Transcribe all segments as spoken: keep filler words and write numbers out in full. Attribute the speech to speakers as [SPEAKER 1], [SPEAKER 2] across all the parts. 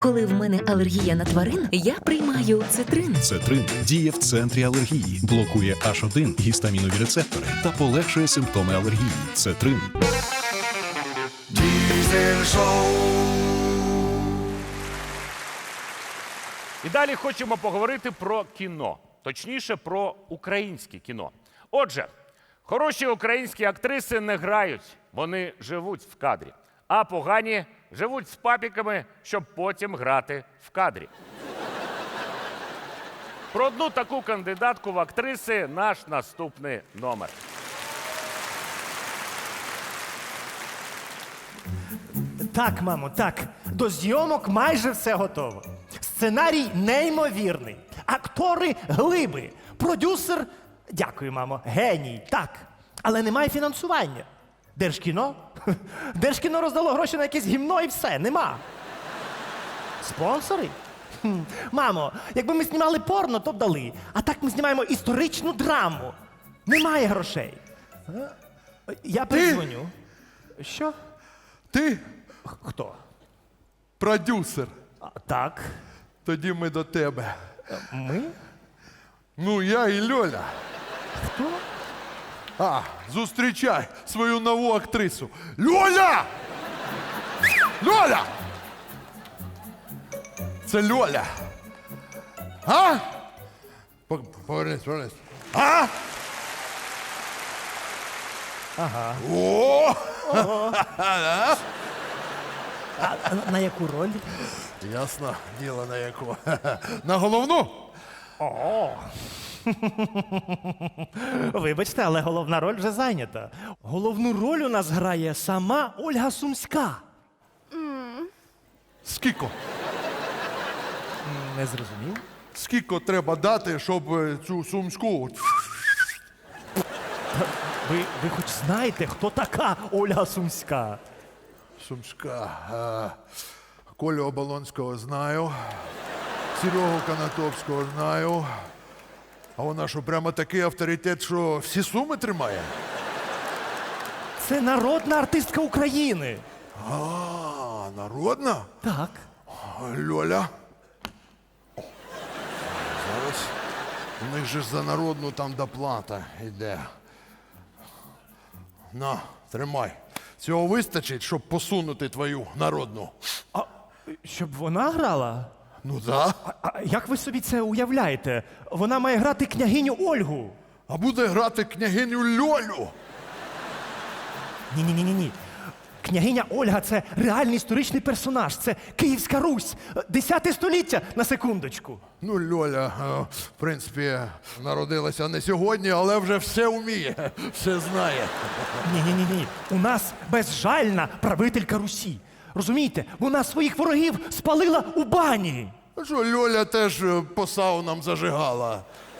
[SPEAKER 1] Коли в мене алергія на тварин, я приймаю цитрин.
[SPEAKER 2] Цетрин діє в центрі алергії, блокує аш один гістамінові рецептори та полегшує симптоми алергії. Цетрин.
[SPEAKER 3] Diesel Show.
[SPEAKER 4] І далі хочемо поговорити про кіно. Точніше, про українське кіно. Отже, хороші українські актриси не грають, вони живуть в кадрі. А погані живуть з папіками, щоб потім грати в кадрі. Про одну таку кандидатку в актриси наш наступний номер.
[SPEAKER 5] Так, мамо, так. До зйомок майже все готово. Сценарій неймовірний. Актори глиби. Продюсер, дякую, мамо, геній, так. Але немає фінансування. Держкіно? Держкіно роздало гроші на якесь гімно і все, нема. Спонсори? Хм. Мамо, якби ми знімали порно, то б дали. А так ми знімаємо історичну драму. Немає грошей. Е? Я передзвоню. Що?
[SPEAKER 3] Ти
[SPEAKER 5] Хто?
[SPEAKER 3] продюсер.
[SPEAKER 5] А, так.
[SPEAKER 3] Тоді ми до тебе.
[SPEAKER 5] Ми?
[SPEAKER 3] Ну, я і Льоля.
[SPEAKER 5] Хто?
[SPEAKER 3] А, зустрічай свою нову актрису. Льоля! Льоля! Це Льоля. А? По- Повернись, повернись. А?
[SPEAKER 5] Ага.
[SPEAKER 3] О!
[SPEAKER 5] А, а на яку роль?
[SPEAKER 3] Ясно, діло на яку. На головну?
[SPEAKER 5] О. Вибачте, але головна роль вже зайнята. Головну роль у нас грає сама Ольга Сумська.
[SPEAKER 3] Скільки?
[SPEAKER 5] Не зрозумів?
[SPEAKER 3] Скільки треба дати, щоб е, цю сумську?
[SPEAKER 5] Ви, ви хоч знаєте, хто така Ольга Сумська?
[SPEAKER 3] Сумська. А, Колю Оболонського знаю. Серегу Канатовського знаю. А вона що, прямо такий авторитет, що всі суми тримає?
[SPEAKER 5] Це народна артистка України.
[SPEAKER 3] А, народна?
[SPEAKER 5] Так.
[SPEAKER 3] Льоля. Зараз. У них же ж за народну там доплата йде. На, тримай. Цього вистачить, щоб посунути твою народну.
[SPEAKER 5] А щоб вона грала?
[SPEAKER 3] Ну да.
[SPEAKER 5] А як ви собі це уявляєте? Вона має грати княгиню Ольгу.
[SPEAKER 3] А буде грати княгиню Льолю.
[SPEAKER 5] Ні-ні-ні. ні. Княгиня Ольга – це реальний історичний персонаж. Це Київська Русь. Десяте століття, на секундочку.
[SPEAKER 3] Ну, Льоля, е, в принципі, народилася не сьогодні, але вже все вміє, все знає.
[SPEAKER 5] Ні-ні-ні. У нас безжальна правителька Русі. Розумієте? Вона своїх ворогів спалила у бані.
[SPEAKER 3] А що, Льоля теж е, по саунам зажигала.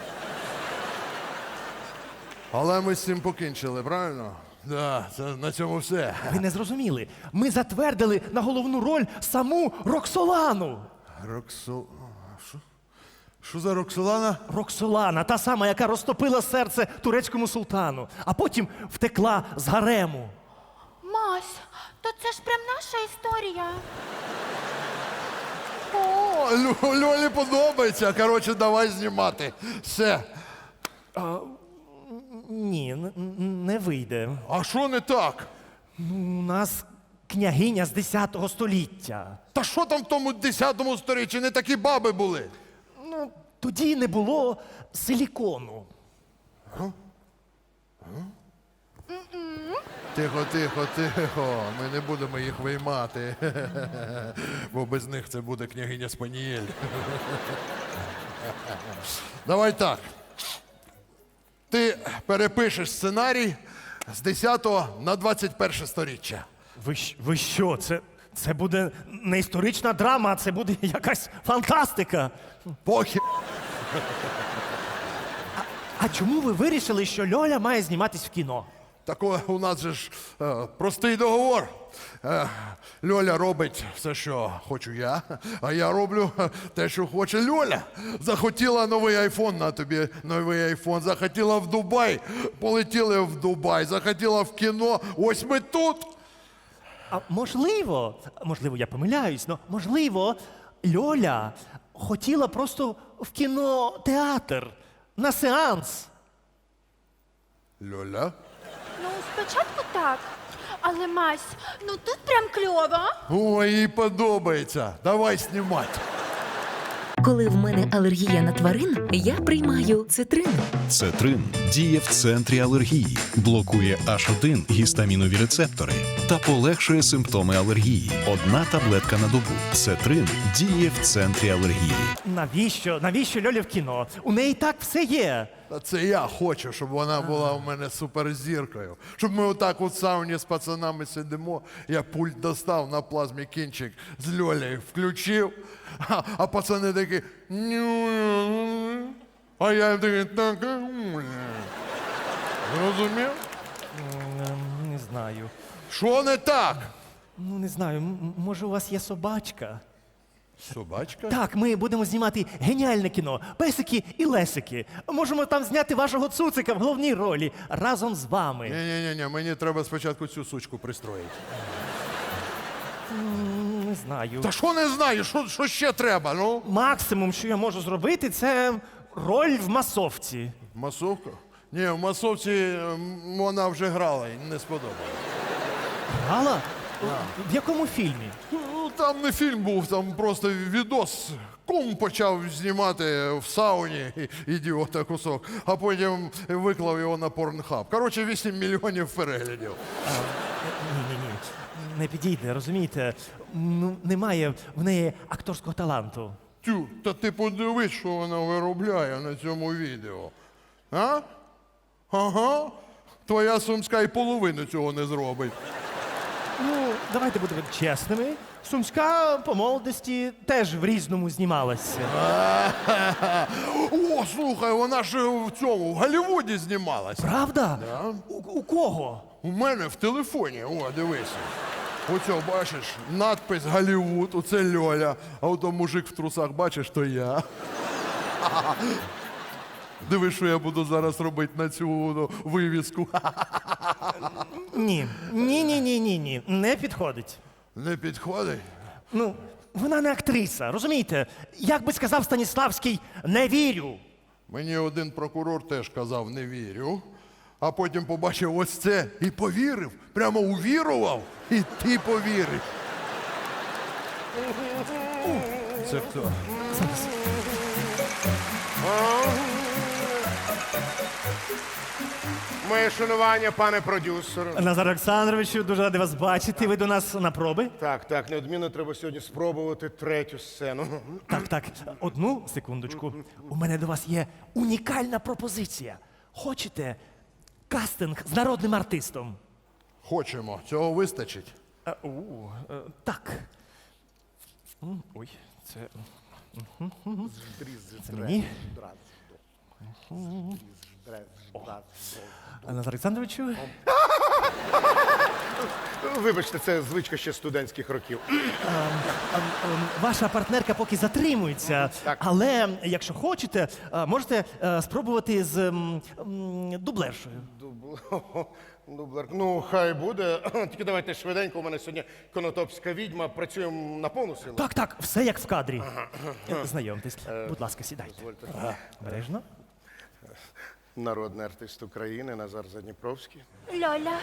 [SPEAKER 3] Але ми з цим покінчили, правильно? Да, це на цьому все.
[SPEAKER 5] Ви не зрозуміли. Ми затвердили на головну роль саму Роксолану.
[SPEAKER 3] Роксол... Що? Що за Роксолана?
[SPEAKER 5] Роксолана, та сама, яка розтопила серце турецькому султану, а потім втекла з гарему.
[SPEAKER 6] Мась, то це ж прям наша історія.
[SPEAKER 3] О, Лю- Льолі подобається. Коротше, давай знімати. Все.
[SPEAKER 5] Ні, н- н- не вийде.
[SPEAKER 3] А що не так?
[SPEAKER 5] У нас княгиня з десятого століття.
[SPEAKER 3] Та що там в тому десятому сторіччі? Не такі баби були.
[SPEAKER 5] Ну, тоді не було силікону.
[SPEAKER 3] Тихо, тихо, тихо. Ми не будемо їх виймати. Бо без них це буде княгиня Спанієль. Давай так. Ти перепишеш сценарій з десятого на двадцять перше сторіччя.
[SPEAKER 5] Ви, щ- ви що? Це, це буде не історична драма, а це буде якась фантастика.
[SPEAKER 3] Похі.
[SPEAKER 5] А чому ви вирішили, що Льоля має зніматись в кіно?
[SPEAKER 3] Тако у нас же ж е, простий договор. Е, Льоля робить все, що хочу я, а я роблю е, те, що хоче Льоля. Захотіла новий айфон, на тобі новий айфон. Захотіла в Дубай, полетіли в Дубай. Захотіла в кіно, ось ми тут.
[SPEAKER 5] А можливо, можливо, я помиляюсь, але можливо, Льоля хотіла просто в кінотеатр на сеанс.
[SPEAKER 3] Льоля?
[SPEAKER 6] Ну, спочатку так. Але Мась, ну тут прям кльово.
[SPEAKER 3] Ой, їй подобається. Давай знімати.
[SPEAKER 1] Коли в мене алергія на тварин, я приймаю цитрин.
[SPEAKER 2] Цетрин діє в центрі алергії, блокує аш один гістамінові рецептори та полегшує симптоми алергії. Одна таблетка на добу. Цетрин діє в центрі алергії.
[SPEAKER 5] Навіщо? Навіщо Льолі в кіно? У неї так все є.
[SPEAKER 3] Та це я хочу, щоб вона була у мене суперзіркою. Щоб ми отак у сауні з пацанами сидимо, я пульт достав на плазмі кінчик з Льолею включив, а, а пацани такі. «Ню-ню-ню». А я їм такий. «Так, а, м-м». Зрозумів?
[SPEAKER 5] Ем, Не знаю.
[SPEAKER 3] Що не так?
[SPEAKER 5] Ну, не знаю, м- може у вас є собачка?
[SPEAKER 3] Собачка?
[SPEAKER 5] Так, ми будемо знімати геніальне кіно. Песики і лесики. Можемо там зняти вашого цуцика в головній ролі разом з вами.
[SPEAKER 3] Ні-ні-ні, мені треба спочатку цю сучку пристроїти.
[SPEAKER 5] Не знаю.
[SPEAKER 3] Та що не знаю, що, що ще треба, ну?
[SPEAKER 5] Максимум, що я можу зробити, це роль в масовці.
[SPEAKER 3] Масовка? Ні, в масовці м, вона вже грала і не сподобалось.
[SPEAKER 5] Гала? В якому фільмі?
[SPEAKER 3] Ну, там не фільм був, там просто відос. Кум почав знімати в сауні, і- ідіота кусок, а потім виклав його на порнхаб. Коротше, вісім мільйонів переглядів.
[SPEAKER 5] Ні-ні-ні. Не підійде, розумієте? Ну, немає в неї акторського таланту.
[SPEAKER 3] Тю, та ти подивись, що вона виробляє на цьому відео. А? Ага. Твоя Сумська і половину цього не зробить.
[SPEAKER 5] Ну, давайте будемо чесними. Сумська по молодості теж в різному знімалася.
[SPEAKER 3] О, слухай, вона ж в цьому, в Голлівуді знімалась.
[SPEAKER 5] Правда? У, у кого?
[SPEAKER 3] У мене в телефоні, о, дивися. Оце, бачиш, надпис Голлівуд, оце Льоля, а ото мужик в трусах, бачиш, то я. Диви, що я буду зараз робити на цю ну, вивіску.
[SPEAKER 5] Ні. Ні, ні, ні, ні, ні. Не підходить.
[SPEAKER 3] Не підходить?
[SPEAKER 5] Ну, вона не актриса, розумієте? Як би сказав Станіславський, не вірю.
[SPEAKER 3] Мені один прокурор теж казав, не вірю. А потім побачив ось це і повірив. Прямо увірував, і ти повіриш. Це хто?
[SPEAKER 7] Моє шанування, пане продюсер.
[SPEAKER 5] Назар Олександровичу, дуже радий вас бачити. Ви до нас на проби?
[SPEAKER 7] Так, так, неодмінно треба сьогодні спробувати третю сцену.
[SPEAKER 5] Так, так. Одну секундочку. У мене до вас є унікальна пропозиція. Хочете кастинг з народним артистом?
[SPEAKER 3] Хочемо, цього вистачить.
[SPEAKER 5] А, у, е, так. М, Ой, це. Мгм. Це мені. А, Назар Олександровичу.
[SPEAKER 7] Вибачте, це звичка ще студентських років.
[SPEAKER 5] Ем, Ваша партнерка поки затримується, але якщо хочете, е, можете е, спробувати з ем, м, дублершою.
[SPEAKER 7] Дубл- Дублер. Ну, хай буде. Тільки давайте швиденько. У мене сьогодні конотопська відьма. Працюємо на повну силу.
[SPEAKER 5] Так, так, все як в кадрі. Е, Знайомтесь. Будь ласка, сідайте. Бережно.
[SPEAKER 7] Народний артист України Назар Задніпровський.
[SPEAKER 6] Льоля.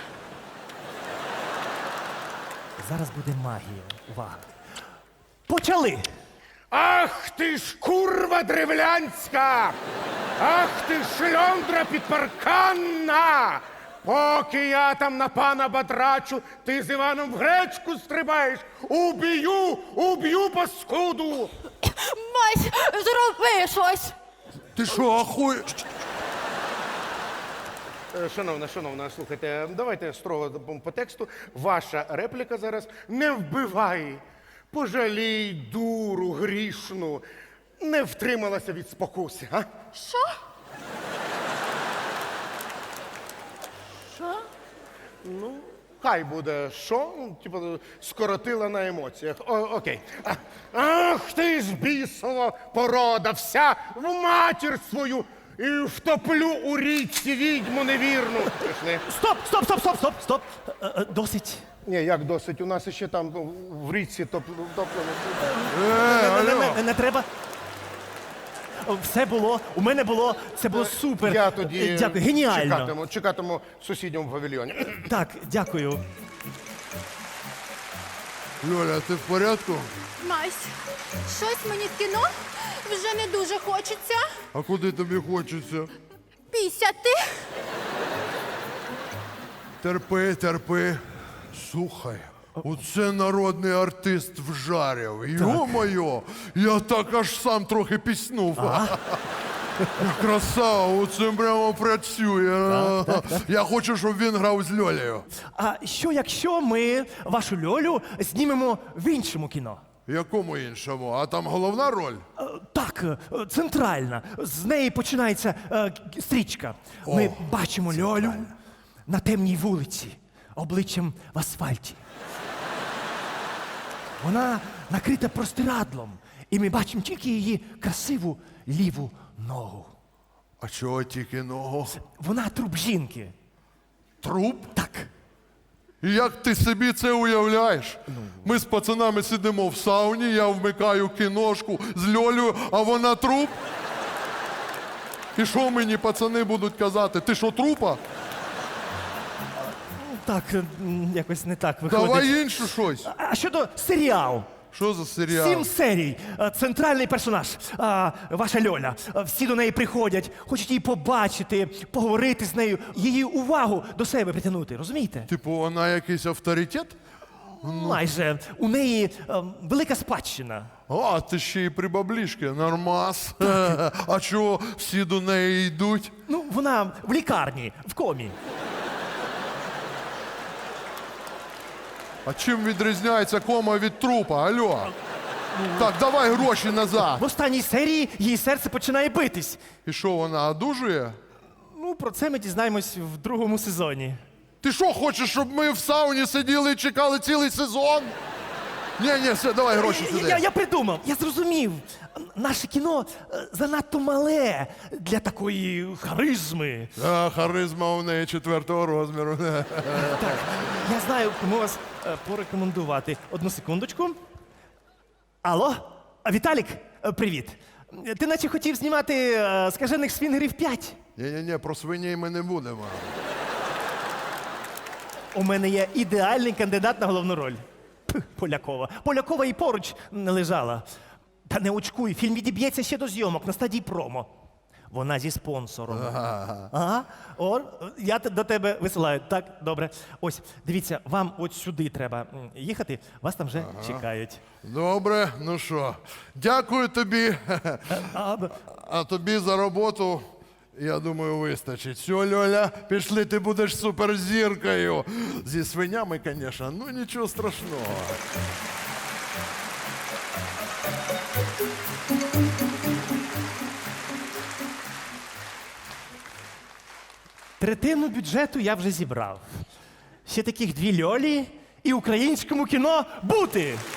[SPEAKER 5] Зараз буде магія. Увага. Почали!
[SPEAKER 7] Ах ти ж курва древлянська! Ах ти ж шльондра підпарканна! Поки я там на пана батрачу, ти з Іваном в гречку стрибаєш! Уб'ю! Уб'ю паскуду!
[SPEAKER 6] Мась, зроби щось.
[SPEAKER 3] Ти що, ахуєш?
[SPEAKER 7] Е, Шановна, шановна, слухайте, давайте строго по тексту. Ваша репліка зараз не вбивай. Пожалій дуру грішну. Не втрималася від спокуси, а?
[SPEAKER 6] Що? Що?
[SPEAKER 7] Хай буде що? Ну, Типу, скоротила на емоціях. О, окей. А- Ах ти ж бісова порода, вся в матір свою і втоплю у річці відьму невірну. Пішли.
[SPEAKER 5] Стоп, стоп, стоп, стоп, стоп, стоп. Е, е, Досить.
[SPEAKER 7] Ні, як досить, у нас ще там ну, в річці топ- топлено.
[SPEAKER 3] Е, алло.
[SPEAKER 5] не треба. О, Все було, у мене було, це було супер.
[SPEAKER 7] Я тоді
[SPEAKER 5] Е, Дякую, геніально.
[SPEAKER 7] чекатиму, чекатиму в сусідньому павільйоні.
[SPEAKER 5] Так, дякую.
[SPEAKER 3] Льоля, ти в порядку?
[SPEAKER 6] Мась, щось мені в кіно вже не дуже хочеться.
[SPEAKER 3] А куди тобі хочеться?
[SPEAKER 6] Пісяти.
[SPEAKER 3] Терпи, терпи. Слухай, оце народний артист вжарів. Йо-моє, я так аж сам трохи піснув. Красава, оце прямо працює. Я хочу, щоб він грав з Льолею.
[SPEAKER 5] А що якщо ми вашу Льолю знімемо в іншому кіно?
[SPEAKER 3] Якому іншому? А там головна роль?
[SPEAKER 5] Е, Так, е, центральна. З неї починається е, к- стрічка. Ми бачимо Льолю на темній вулиці, обличчям в асфальті. Вона накрита простирадлом, і ми бачимо тільки її красиву ліву ногу.
[SPEAKER 3] А чого тільки ногу?
[SPEAKER 5] Вона труп жінки.
[SPEAKER 3] Труп?
[SPEAKER 5] Так.
[SPEAKER 3] І як ти собі це уявляєш? Ми з пацанами сидимо в сауні, я вмикаю кіношку з Льолею, а вона труп? І що мені пацани будуть казати? Ти що, трупа?
[SPEAKER 5] Так, е, м, якось не так виходить.
[SPEAKER 3] Давай інше щось.
[SPEAKER 5] А щодо серіалу?
[SPEAKER 3] Що за серіал?
[SPEAKER 5] Сім серій. Е, Центральний персонаж, а, ваша Льоля. Е, Всі до неї приходять, хочуть її побачити, поговорити з нею, її увагу до себе притягнути. Розумієте?
[SPEAKER 3] Типу, вона якийсь авторитет?
[SPEAKER 5] Майже у неї е, велика спадщина.
[SPEAKER 3] А, ти ще й при баблішки, нормас. А чого всі до неї йдуть?
[SPEAKER 5] Ну, вона в лікарні, в комі.
[SPEAKER 3] А чим відрізняється кома від трупа? Алло? Так, давай гроші назад.
[SPEAKER 5] В останній серії її серце починає битись.
[SPEAKER 3] І що, вона одужує?
[SPEAKER 5] Ну, про це ми дізнаємось в другому сезоні.
[SPEAKER 3] Ти що, хочеш, щоб ми в сауні сиділи і чекали цілий сезон? Ні, ні, все, давай гроші
[SPEAKER 5] Я,
[SPEAKER 3] сюди.
[SPEAKER 5] я, я придумав, я зрозумів. Наше кіно е, занадто мале для такої харизми.
[SPEAKER 3] А, харизма у неї четвертого розміру.
[SPEAKER 5] Так, я знаю, кому вас е, порекомендувати. Одну секундочку. Алло, А, Віталік, е, привіт. Ти наче хотів знімати е, скажених свінгерів п'ять.
[SPEAKER 3] Ні-ні-ні, про свиней ми не будемо.
[SPEAKER 5] У мене є ідеальний кандидат на головну роль. Пх, Полякова. Полякова і поруч не лежала. Та не очкуй, фільм відіб'ється ще до зйомок на стадії промо. Вона зі спонсором. Ага. О, я те- до тебе висилаю. Так, добре. Ось, дивіться, вам от сюди треба м, їхати, вас там вже чекають.
[SPEAKER 3] Добре, ну що, дякую тобі.
[SPEAKER 5] А, б-
[SPEAKER 3] А тобі за роботу, я думаю, вистачить. Все, Льоля, пішли, ти будеш суперзіркою. Зі свинями, звісно, ну нічого страшного.
[SPEAKER 5] Третину бюджету я вже зібрав. Ще таких дві льолі і українському кіно бути.